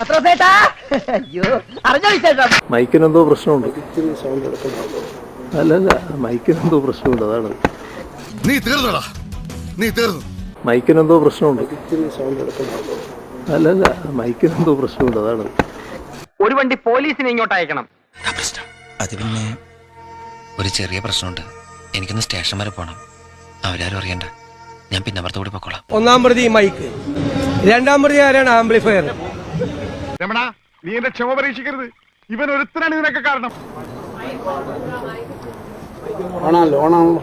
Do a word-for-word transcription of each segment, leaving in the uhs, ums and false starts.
മൈക്കിനെന്തോ പ്രശ്നമുണ്ട്. അല്ലല്ല, മൈക്കിനെന്തോ പ്രശ്നമുണ്ട്, അതാണ്. നീ തീർന്നടാ, നീ തീർന്നു. മൈക്കിനെന്തോ പ്രശ്നമുണ്ട്. അല്ലല്ല, മൈക്കിനെന്തോ പ്രശ്നമുണ്ട്, അതാണ്. ഒരു വണ്ടി പോലീസിനെ ഇങ്ങോട്ട് അയക്കണം. അത് പിന്നെ ഒരു ചെറിയ പ്രശ്നമുണ്ട്. എനിക്കൊന്ന് സ്റ്റേഷൻ വരെ പോകണം. അവരാരും അറിയണ്ട, ഞാൻ പിന്നെ അപ്പുറത്ത് കൂടി പൊക്കോളാം. ഒന്നാം പ്രതി മൈക്ക്, രണ്ടാം പ്രതി ആരാണ്? ആംപ്ലിഫയർ. രമണ, നീ എന്റെ ക്ഷമ പരീക്ഷിക്കരുത്. ഇവൻ ഒരുത്തനാണ് ഇതിനൊക്കെ കാരണം. ആണല്ലോ ഓണാണല്ലോ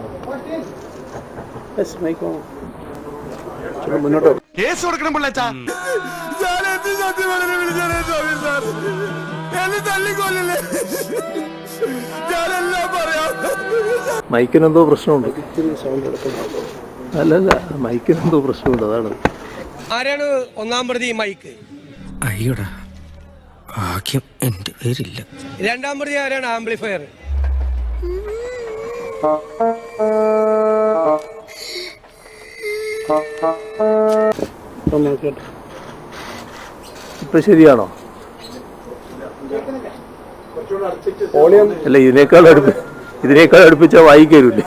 മുന്നോട്ടോ. കേസ് കൊടുക്കണം പിള്ളേച്ചാ. മൈക്കിനെന്തോ പ്രശ്നമുണ്ട്. അല്ലല്ല, മൈക്കിനെന്തോ പ്രശ്നമുണ്ട്, അതാണ്. ആരാണ് ഒന്നാം പ്രതി മൈക്ക്? അയ്യോടാ, ഭാഗ്യം എന്റെ പേരില്ല. രണ്ടാം പ്രതി ആരാണ്? ആംപ്ലിഫയർ. ഇപ്പൊ ശരിയാണോ? അല്ല, ഇതിനേക്കാൾ അടുപ്പി ഇതിനേക്കാൾ അടുപ്പിച്ചാ വായിക്കരുല്ലേ?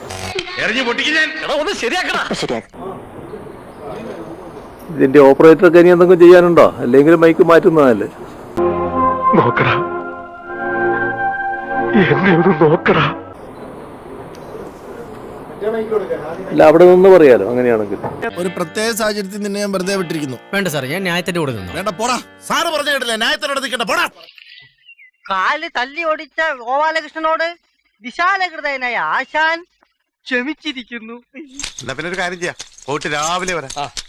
ഇതിന്റെ ഓപ്പറേറ്റർക്ക് ഇനി എന്തെങ്കിലും ചെയ്യാനുണ്ടോ? അല്ലെങ്കിൽ മൈക്ക് മാറ്റുന്നതല്ലേ? നോക്കടാ, എന്നെ ഒന്ന് നോക്കടാ. അല്ല, അവിടെ നിന്ന് പറയാലോ അങ്ങനെയാണെങ്കിൽ. ഒരു പ്രത്യേക സാഹചര്യത്തിൽ നിന്നെ ഞാൻ വെറുതെ വിട്ടിരിക്കുന്നു. വേണ്ട സാർ, ഞാൻ ന്യായത്തിന്റെ കൂടെ നിന്നു. വേണ്ട, പോടാ. സാറ് പറഞ്ഞ കേട്ടില്ല, ന്യായത്തിനോട് നിൽക്കണ്ട, പോടാ. കാല് തല്ലി ഓടിച്ച ഗോപാലകൃഷ്ണനോട് വിശാലഹൃദയനായ ആശാൻ ക്ഷമിച്ചിരിക്കുന്നു. എന്നാ പിന്നെ ഒരു കാര്യം ചെയ്യാം, പോയിട്ട് രാവിലെ വരാം.